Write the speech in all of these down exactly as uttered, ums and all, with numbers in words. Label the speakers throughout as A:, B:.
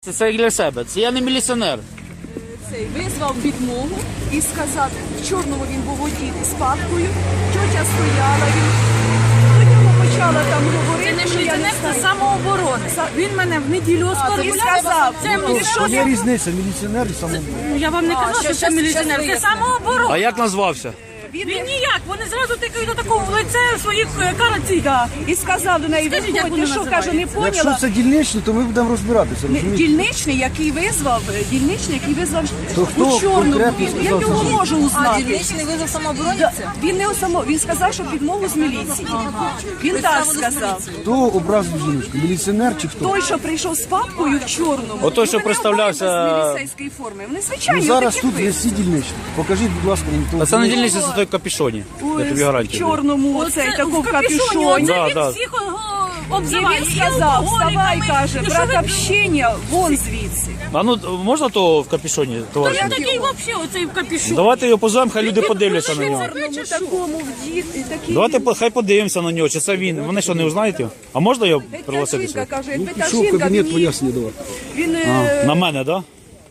A: Це, це для себе. Це я не міліціонер.
B: Цей визвав підмогу і сказав, в чорному він був одітий з папкою, тьотя стояла, він до нього почала там говорити,
C: Це не
B: що я не
C: міліціонер, це
B: знаю.
C: самооборона. Він мене в неділю
B: І
C: оскорбляв.
B: сказав,
C: Це
B: ну,
C: мені
B: що
C: що?
D: Є різниця, міліціонер і самооборона.
C: Я вам не казала, що це міліціонер, це
A: А
C: самооборона.
A: як назвався?
B: він,
C: Він ніяк, вони зразу тикають до такого в лице своїх караців.
B: да, і сказав до неї,
C: Скажіть,
B: ви
C: як
B: ходите,
C: вони
B: що, каже, не
C: називаються?
D: Якщо
B: поняла.
D: це дільничний, то ми будемо розбиратися,
B: Не-
D: розумієте?
B: Дільничний, який визвав, дільничний, який визвав
D: То хто
B: у чорному,
D: конкретно
B: він, я
D: сказав
B: його
D: це?
B: можу узнати.
C: Дільничний визвав самообороні?
B: Да, він не само, він сказав, що підмогу з міліції. Він так сказав.
D: Хто образив жіночку? Міліціонер чи хто?
B: Той, що прийшов з папкою в чорному.
A: О, той, що
B: вони
A: представлявся-
B: обидва з міліцейської форми. Вони звичайні.
D: Ну, зараз
B: отакі
D: тут є
B: ви.
D: всі дільничні. Покажіть, будь ласка, мені того.
A: А це не
D: дільничного.
A: дільниця, це той капюшоні. Я тобі
B: В
A: гарантію.
B: чорному, оцей такому капюшоні.
C: Оце
A: Да,
C: він
A: да.
C: всіх
B: І
C: обзиває.
B: він сказав, вставай, каже,
C: Ну, що
B: брат
C: ви-
B: общення, вон звідси.
A: А ну можна того в капюшоні,
C: Він
A: товариш?
C: такий взагалі, оцей в капюшоні.
A: Давайте його позовемо, хай люди подивляться на нього.
B: Чорному такому вдіти, такі.
A: Давайте по- хай подивимося на нього, чи це він. Вони що, не узнають його? А можна його
B: Та
A: пригласити
B: жінка
A: сюди?
B: каже,
D: Ну,
B: якби та
D: пішов в
B: жінка,
D: кабінет,
B: він,
D: пояснює давати.
B: він е,
A: На мене, так?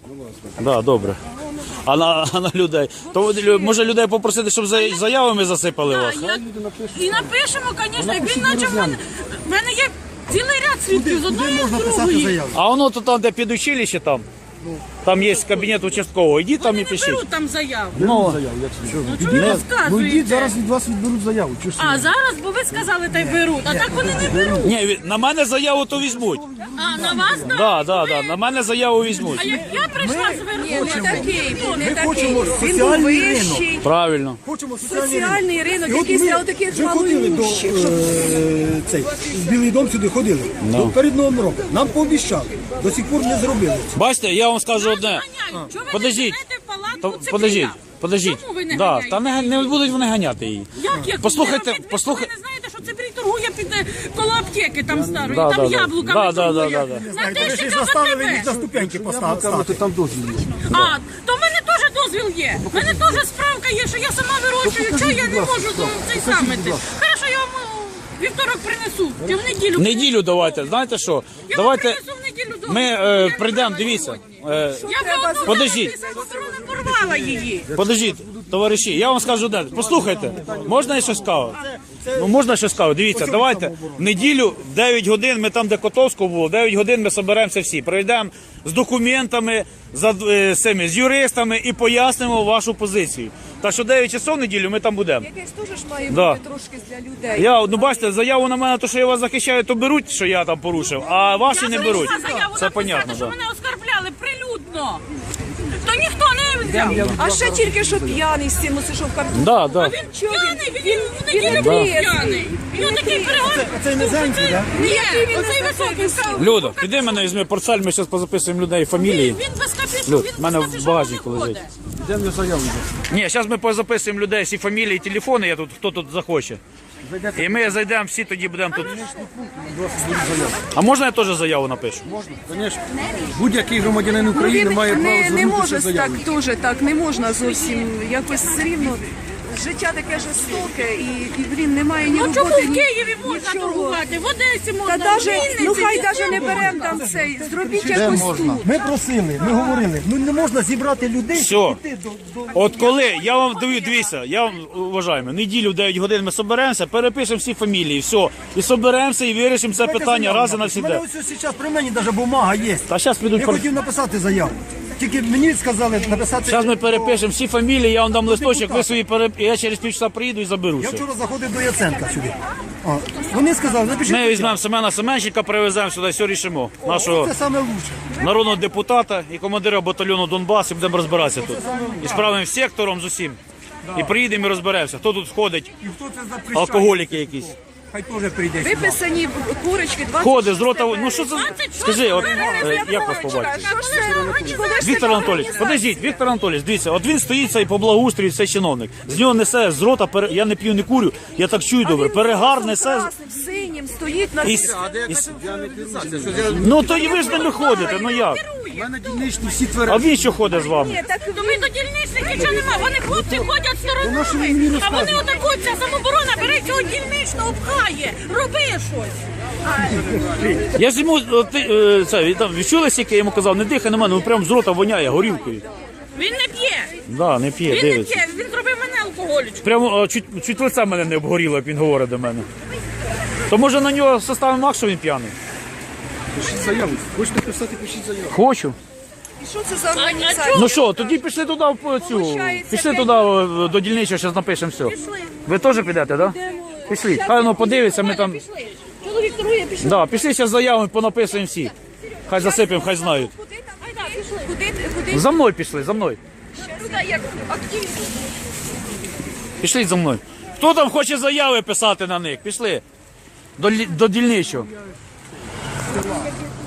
A: Да? Да, добре. А на, а на людей? То лю- може людей попросити, щоб за- заявами засипали вас?
C: Я- І напишемо, звісно, як він почав. мене- В мене є цілий ряд свідків з одної з другої.
A: А воно то там, де під училище там, там є кабінет участкового. Ідіть там і
C: Вони не
A: пишіть.
C: беруть там заяву.
A: Ну,
D: Заяву, як це?
C: Ну,
D: Ідіть.
C: чого ви
D: Ну,
C: розказуєте?
D: йдіть, зараз від вас відберуть заяву. Чого ж
C: А
D: це?
C: зараз, бо ви сказали, та й беруть, а так вони не беруть.
A: ні, від- на мене заяву то візьмуть.
C: А на вас так?
A: Да, да, да, на мене заяву візьмуть.
C: А як я прийшла зверху,
B: не такий, був, не такий.
E: хочемо
B: Він був
E: соціальний
B: вищий.
A: Правильно.
E: Хочемо соціальний ринок.
B: Соціальний ринок,
E: І от
B: який
E: ми
B: став таких
E: вже ходили до
B: малоімущих.
E: е, цей, в Білий дом сюди ходили. До перед Новим роком. Нам пообіцяли. До сих пор не зробили.
A: Бачите, я вам скажу одне.
C: ганяють. Чого ви
A: Подождіть.
C: не женете палатку
A: То,
C: Цеплія?
A: подождіть, подождіть.
C: Чому ви не
A: Да,
C: ганяєте?
A: та не, не будуть вони ганяти її.
C: Як, як?
A: Послухайте,
C: Ви, ви,
A: послухай-
C: ви не знаєте, що Цеплій торгує під е, коло аптеки там старої,
A: Да,
C: там
A: да, да.
C: яблуками
A: Да, да,
C: торгує.
A: да, да, да.
C: На
E: Знаєте, ви ж
C: тисячу
E: їх
C: за
E: заставили
C: тебе.
E: їх на ступеньки
D: Кажете,
E: поставити.
D: там дозвіл є.
C: А, то в мене теж дозвіл є. В мене теж справка є, що я сама вирощую,
D: покажіть,
C: чого я
D: будь
C: не
D: ласка,
C: можу
D: справку.
C: цей
D: Покажіть,
C: саме.
D: будь ласка.
C: Хорошо, я вам у вівторок принесу, чи в неділю.
A: В неділю давайте, знаєте що?
C: Я
A: Давайте
C: вам принесу в неділю дозвіл.
A: ми
C: Я
A: е,
C: не
A: прийдемо,
C: брала
A: дивіться.
C: сьогодні.
A: Е,
C: Я за одну
A: Подождіть.
C: самооборону порвала її.
A: Подождіть, товариші, я вам скажу одне. Послухайте, можна я щось скажу? Ну можна щось скажу. Дивіться, давайте в неділю в дев'ять годин, ми там, де Котовського було, в дев'ять годин ми зберемося всі. Прийдемо з документами, за, е, з, цими, з юристами і пояснимо вашу позицію. Так що дев'ять часов в неділю ми там будемо.
B: Якесь теж ж має
A: Да.
B: бути трошки для людей.
A: Я, ну бачите, заяву на мене, то що я вас захищаю, то беруть, що я там порушив, а ваші не беруть.
C: Я заяву
A: Це
C: написати,
A: понятно,
C: що
A: так.
C: мене оскарбляли прилюдно. То ніхто не взяв.
B: А ще тільки що п'яний з цим оце, що в карту.
A: Да, да.
C: Він п'яний, він в
B: він
C: неділю
B: не
C: був
B: трезвий.
C: п'яний. Він такий перегон.
E: Це низенький, так?
C: Ні, оцей високий став.
A: Люда, піди мене візьми портфель, ми зараз позаписуємо людей фамілії.
C: Він без капюшона,
A: Люд,
C: він
A: в мене
C: без
A: в
C: капюшона
A: багажнику
C: не
A: лежить.
C: ходить.
D: Йдемо я заяву.
A: Ні, зараз ми позаписуємо людей всі фамілії, телефони, я тут, хто тут захоче. І ми зайдемо всі, тоді будемо тут. А можна я теж заяву напишу?
D: Можна, звісно. Будь-який громадянин України
B: Він
D: має право
B: не, не
D: звернутися
B: може
D: з заявою.
B: так дуже, так не можна зовсім якось все рівно. Життя таке жорстоке і, і блін, немає ні
C: Ну чому
B: роботи,
C: в
B: ні
C: Києві можна
B: нічого.
C: торгувати, в Одесі
B: Та
C: можна, в
B: даже,
C: Вінниці,
B: ну хай
C: де
B: навіть не
C: можна?
B: беремо там цей, зробіть якось тут.
E: Ми просили, ми говорили, ну не можна зібрати людей,
A: Все.
E: щоб піти до, до...
A: От коли, я вам даю, дивіться, я вам вважаю, неділю в дев'ять годин ми соберемося, перепишемо всі фамілії, все. І соберемося і вирішимо це питання раз і
E: У
A: навсіде.
E: мене ось зараз при мені навіть бумага є.
A: Та зараз підуть.
E: Я хотів написати заяву. Тільки мені сказали написати.
A: Зараз ми перепишемо всі фамілії, я вам дам листочок, ви свої переп... Я через півчаса приїду і заберу
E: Я
A: все.
E: вчора заходив до Яценка сюди. А, вони сказали, напишіть.
A: Ми візьмемо Семена Семенчика, привеземо сюди, все рішимо. Нашого
E: Це саме лучше.
A: народного депутата і командира батальйону Донбас, і будемо розбиратися тут. І справимо сектором з усім. І приїдемо і розберемося, хто тут входить,
E: І хто це запрещає?
A: алкоголіки якісь.
E: Хай теж прийде сюди.
B: Виписані курочки, двадцять
A: Ходить з рота, ну що це, скажи, от,
C: березня,
A: е, як вас побачити?
B: Що ж це? Коли ж
A: Віктор
B: це
A: Анатолійович,
B: організація?
A: подождіть, Віктор Анатолійович, дивіться, от він стоїть цей по благоустрою, цей чиновник. З нього несе з рота, пере- я не п'ю, не курю, я так чую добре, перегар несе.
B: Красним, синім стоїть на
A: І, с- і с- ну то і ви з ними ходите, ну як?
D: У мене дільничні всі
A: А
D: тверезі.
A: він що ходить з вами?
B: Ні, так
C: То ми до дільничних нічого нема, вони хлопці ходять
D: Воно
C: сторонами,
D: ж мені
C: а вони отаку, ця самоборона бере цього дільничного, пхає, роби щось.
A: Я ж йому, о, ти, е, це, він там, відчули, скільки я йому казав, не дихай на мене, ну прям з рота воняє горілкою.
C: Він не п'є.
A: Да, не п'є,
C: Він не
A: дивиться.
C: п'є. Він зробив мене алкоголічку.
A: Прямо о, чуть, чуть лице мене не обгоріло, як він говорить до мене. То може на нього составимо акт, що він п'яний?
D: Пишіть заяву. Хочете писати, пишіть заяву.
A: Хочу.
B: І що це за
C: А
B: організація?
C: чого?
A: Ну що, тоді пішли туди в цю.
B: Получається,
A: Пішли
B: п'ять-
A: туди о, до дільничого, зараз напишемо все. Ви теж підете, так? Да? Пішли. Хай воно подивиться, ми там.
C: Пішли. Чоловік торгує, пішли.
A: Да, пішли зараз заяву, понаписуємо всі. Хай засипемо, хай знають.
B: Куди там? Куди, куди?
A: За мною пішли, за мною.
B: Туди як активність.
A: Пішли за мною. Хто там хоче заяви писати на них? Пішли. До, лі- до дільничого.